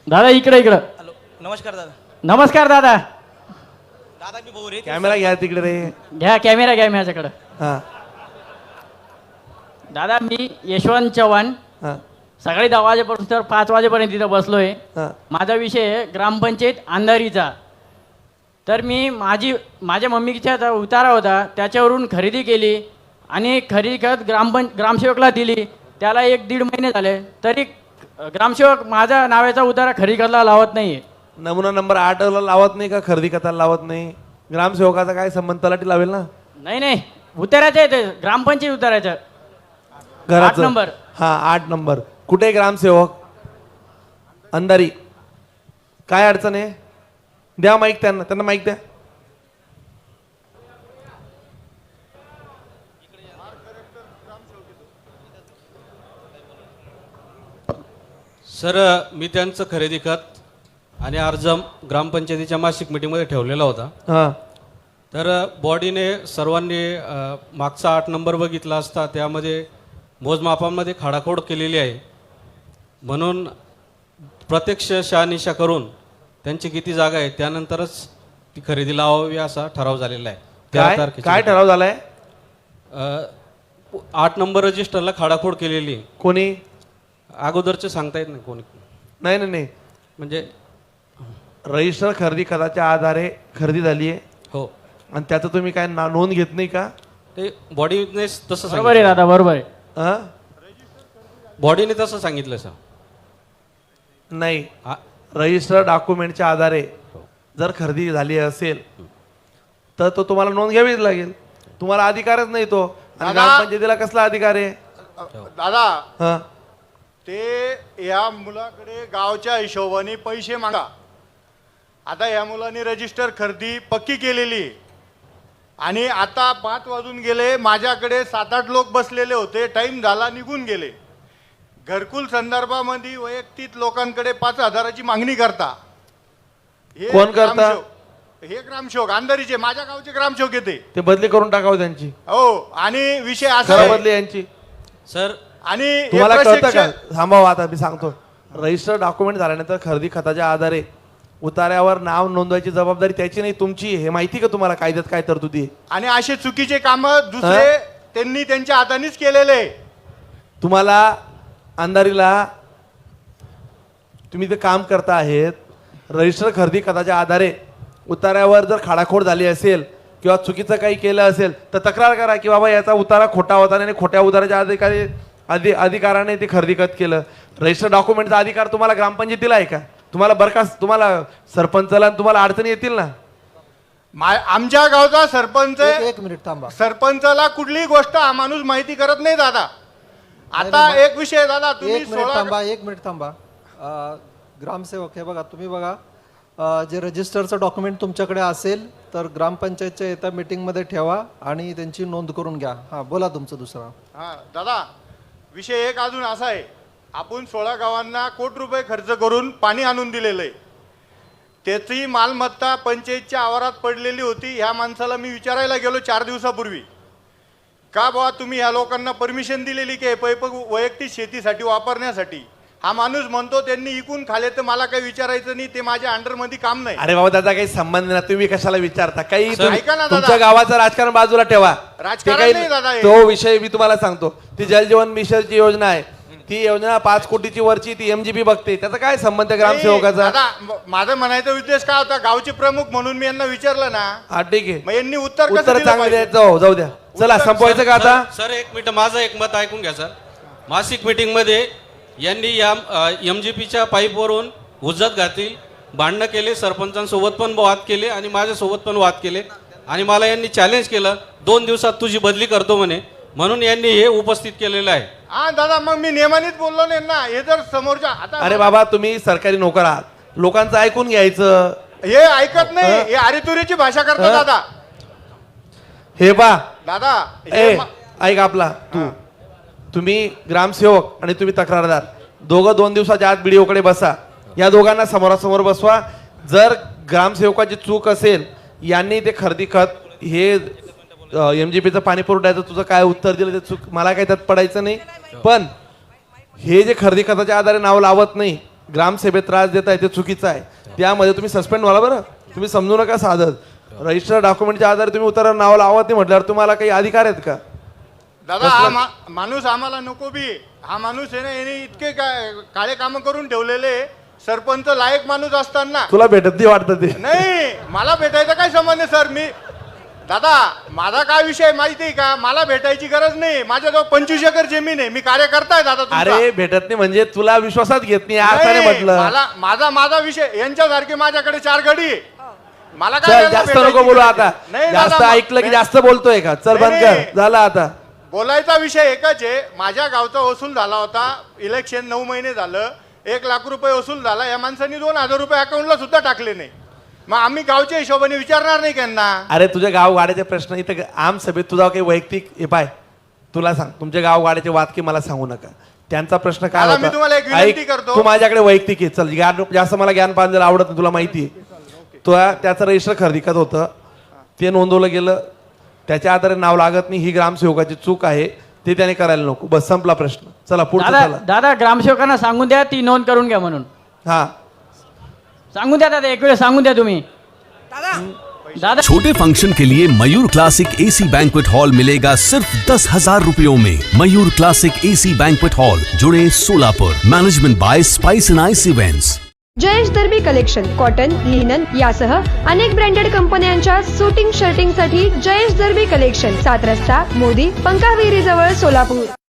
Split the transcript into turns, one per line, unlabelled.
दादा इकडे इकडं.
हॅलो नमस्कार दादा.
नमस्कार दादा.
दादा मी भाऊ रे.
कॅमेरा घ्या तिकडे रे.
घ्या कॅमेरा घ्या माझ्याकडं.
हा
दादा मी यशवंत चव्हाण.
हा
सकाळी 10 वाजेपासून तर 5 वाजेपर्यंत तिथं बसलोय.
हा
माझा विषय आहे ग्रामपंचायत अंधारीचा. तर मी माझ्या मम्मीचा उतारा होता त्याच्यावरून खरेदी केली आणि खरेदी करत ग्रामसेवकला दिली. त्याला 1-1.5 महिने झाले तरी ग्रामसेवक माझा नावाचा उतारा खरेदी करायला लावत नाही.
नमुना नंबर 8 ला लावत नाही का? खरेदी करायला लावत नाही. ग्रामसेवकाचा काय संबंध? तलाठी लावेल ना.
नाही उतारायचं आहे ते ग्रामपंचायत उतारायचं. 8
घराचं
नंबर.
हा 8 नंबर. कुठे ग्रामसेवक? अंधारी. काय अडचण आहे? द्या माईक त्यांना माईक द्या.
सर मी त्यांचं खरेदी खत आणि अर्ज ग्रामपंचायतीच्या मासिक मीटिंगमध्ये ठेवलेला होता.
हा
तर बॉडीने सर्वांनी मागचा 8 नंबर बघितला असता त्यामध्ये मोजमापांमध्ये खाडाखोड केलेली आहे. म्हणून प्रत्यक्ष शहानिशा करून त्यांची किती जागा आहे त्यानंतरच ती खरेदी लावावी असा ठराव झालेला आहे.
काय ठराव झालाय?
8 नंबर रजिस्टरला खाडाखोड केलेली आहे.
कोणी?
अगोदरचे सांगता येत नाही कोणी.
नाही
म्हणजे
रजिस्टर खरेदी खताच्या आधारे खरेदी झाली आहे.
हो
आणि त्याचं तुम्ही काय नोंद घेत नाही का?
ते बॉडीने तसं
बरोबर आहे दादा बरोबर आहे.
हा
बॉडीने तसं सांगितलं सर.
नाही रजिस्टर डॉक्युमेंटच्या आधारे जर खरेदी झाली असेल तर तो तुम्हाला नोंद घ्यावीच लागेल. तुम्हाला अधिकारच नाही तो. आणि ग्रामपंचायतीला कसला अधिकार आहे?
दादा
हा
ते या मुलाकडे गावच्या हिशोबाने पैसे मागा. आता या मुलाने रजिस्टर खरेदी पक्की केलेली आणि आता 5 वाजून गेले. माझ्याकडे 7-8 लोक बसलेले होते. टाइम झाला निघून गेले. घरकुल संदर्भामध्ये वैयक्तिक लोकांकडे 5,000ची मागणी करता. हे
कोण करता?
हे ग्रामसेवक अंधारीचे माझ्या गावचे ग्रामसेवक येते.
ते बदली करून टाकावं त्यांची.
हो आणि विषय असा
खरं
आहे
बदली यांची.
सर
आणि हे
तुम्हाला कळतं का?
प्रशिक्षण-
थांबावं आता मी सांगतो. रजिस्टर डॉक्युमेंट झाल्यानंतर खरेदी खताच्या आधारे उतार्यावर नाव नोंदवायची जबाबदारी त्याची नाही तुमची. हे माहिती का तुम्हाला कायद्यात काय तरतुदी आहे?
आणि असे चुकीचे काम दुसरे त्यांनी त्यांच्या हातानेच केलेले.
तुम्हाला अंधारीला तुम्ही ते काम करता आहेत. रजिस्टर खरेदी खताच्या आधारे उतार्यावर जर खाडाखोड झाली असेल किंवा चुकीचं काही केलं असेल तर तक्रार करा की बाबा याचा उतारा खोटा होता आणि खोट्या उताराच्या अधिकाराने ते खरेदी खत केलं. रजिस्टर डॉक्युमेंटचा अधिकार तुम्हाला ग्रामपंचायतीला आहे का? तुम्हाला बरखास्त तुम्हाला सरपंचाला तुम्हाला अडचणी येतील ना.
आमच्या गावचा सरपंच
एक मिनिट थांबा.
सरपंचाला कुठलीही गोष्ट हा माणूस माहिती करत नाही दादा. आता एक विषय दादा तुम्ही
एक मिनिट थांबा. ग्रामसेवक हे बघा तुम्ही बघा जे रजिस्टरचं डॉक्युमेंट तुमच्याकडे असेल तर ग्रामपंचायतच्या येत्या मीटिंगमध्ये ठेवा आणि त्यांची नोंद करून घ्या. हा बोला तुमचं दुसरा.
हा दादा विषय एक अजून असा आहे. आपण 16 गावांना कोटी रुपये खर्च करून पाणी आणून दिलेलं आहे. त्याची मालमत्ता पंचायतच्या आवारात पडलेली होती. ह्या माणसाला मी विचारायला गेलो 4 दिवसापूर्वी का बाबा तुम्ही ह्या लोकांना परमिशन दिलेली की पैप वैयक्तिक शेतीसाठी वापरण्यासाठी. हा माणूस म्हणतो त्यांनी इकून खाले तर मला काही विचारायचं नाही. ते माझ्या अंडरमध्ये काम नाही.
अरे बाबा त्याचा काही संबंध नाही. तुम्ही कशाला विचारता? काही
ऐका ना दादा.
तुमच्या गावाचं राजकारण बाजूला ठेवा.
राजकारण
ते काही
नाही दादा हे.
तो विषय मी तुम्हाला सांगतो. ती जलजीवन मिशनची योजना आहे. ती योजना 5 कोटीची वरची ती MGP बघते. त्याचा काय संबंध ग्रामसेवकाचा?
दादा माझा म्हणायचा उद्देश काय होता? गावचे प्रमुख म्हणून मी यांना विचारलं ना.
हा ठीक आहे.
मग यांनी उत्तर कसं
उत्तर
दिलं
चांगलं
पाहिजे?
द्यायचं. जाऊ द्या. चला संपवायचं का आता?
सर 1 मिनिट माझं एक मत ऐकून घ्या सर. मासिक मीटिंगमध्ये यांनी या MGPच्या पाईपवरून हुज्जत घातली, भांडणं केले, सरपंचांसोबत पण वाद केले आणि माझ्यासोबत पण वाद केले आणि मला यांनी चॅलेंज केलं 2 दिवसात तुझी बदली करतो म्हणे. म्हणून यांनी हे उपस्थित केलेलं आहे.
हा दादा मग मी नेमानीच बोललो नाही ना. हे जर समोरच्या आता
अरे बाबा तुम्ही सरकारी नोकर आहात. लोकांचं ऐकून घ्यायचं.
हे ऐकत नाही. हे आरितुरीची भाषा करतात दादा.
हे बा
दादा
ऐक आपला तुम्ही ग्रामसेवक आणि तुम्ही तक्रारदार दोघं 2 दिवसाच्या आत BDO बसा. या दोघांना समोरासमोर बसवा. जर ग्रामसेवकाची चूक असेल यांनी ते खरेदी खत हे MGPचं पाणी पुरवठ्याचं तुझं काय उत्तर दिलं ते चूक मला काही त्यात पडायचं नाही. पण हे जे खरेदी खताच्या आधारे नाव लावत नाही ग्रामसभेत त्रास देताय ते चुकीचं आहे. त्यामध्ये तुम्ही सस्पेंड व्हाल बरं. तुम्ही समजू नका साधत. रजिस्टर डॉक्युमेंटच्या आधारे तुम्ही उतारा नाव लावत नाही म्हटल्यावर तुम्हाला काही अधिकार आहेत का?
दादा हा माणूस आम्हाला नको बी. हा माणूस आहे ना, याने इतके काळे काम करून ठेवलेले. सरपंच लायक माणूस असताना
तुला भेटत नाही वाटतं ते.
नाही, मला भेटायचं काय संबंध आहे सर? मी दादा माझा काय विषय माहिती आहे का? मला भेटायची गरज नाही. माझ्याजवळ 25 एकर जमीन आहे. मी कार्यकर्ता आहे दादा तुमचा.
अरे भेटत नाही म्हणजे तुला विश्वासात घेत नाही अर्थाने
नाही,
म्हटलं.
माझा विषय यांच्यासारखे माझ्याकडे 4 गडी आहे. मला
चल
काय
जास्त
भेटायची
नको बोलू
गरज
आता.
नाही
जास्त
दादा,
ऐकलं की जास्त बोलतोय का? चल बंद
नाही,
कर. झालं आता.
बोलायचा विषय एकच आहे. माझ्या गावचा वसूल झाला होता. इलेक्शन 9 महिने झालं. 1 लाख रुपये वसूल झाला. या माणसांनी 2,000 रुपये अकाउंटला सुद्धा टाकले नाही. मग आम्ही गावच्या हिशोबाने विचारणार नाही त्यांना.
अरे तुझ्या गाव गाड्याचे प्रश्न इथं आम सभेत तुझा काही वैयक्तिक हे पाय. तुला सांग तुमच्या गाव गाड्याचे वाद मला सांगू नका. त्यांचा प्रश्न काय
दादा, मी तुम्हाला एक विनंती
ऐक,
करतो.
तू माझ्याकडे वैयक्तिक आहे. चल ज्ञान जास्त मला ज्ञान पांजल आवडत नाही, तुला माहिती आहे. तो त्याचं रजिस्टर खरेदीकत होतं, ते नोंदवलं गेलं. त्याच्या आधारे नाव लागत नाही, ही ग्रामसेवकाची चूक आहे. ते त्याने करायला नको. बस संपला प्रश्न. चला पुढचा.
दादा
चला
दादा ग्रामसेवकांना सांगून द्या ती नोंद करून घ्या म्हणून.
हा
सांगून द्या दादा, एक वेळ सांगून द्या तुम्ही. दादा
छोटे फंक्शन के लिए Mayur classic AC banquet hall मिलेगा सिर्फ 10,000 रुपयों में। Mayur classic AC banquet hall, जुड़े Solapur. Management by spice and ice events.
Jayesh Darbi collection cotton, linen यासह अनेक ब्रँडेड कंपन्यांच्या सुटिंग शर्टिंगसाठी जयेश दर्बी कलेक्शन, 7 रस्ता मोदी पंकाविहिरी जवळ सोलापूर।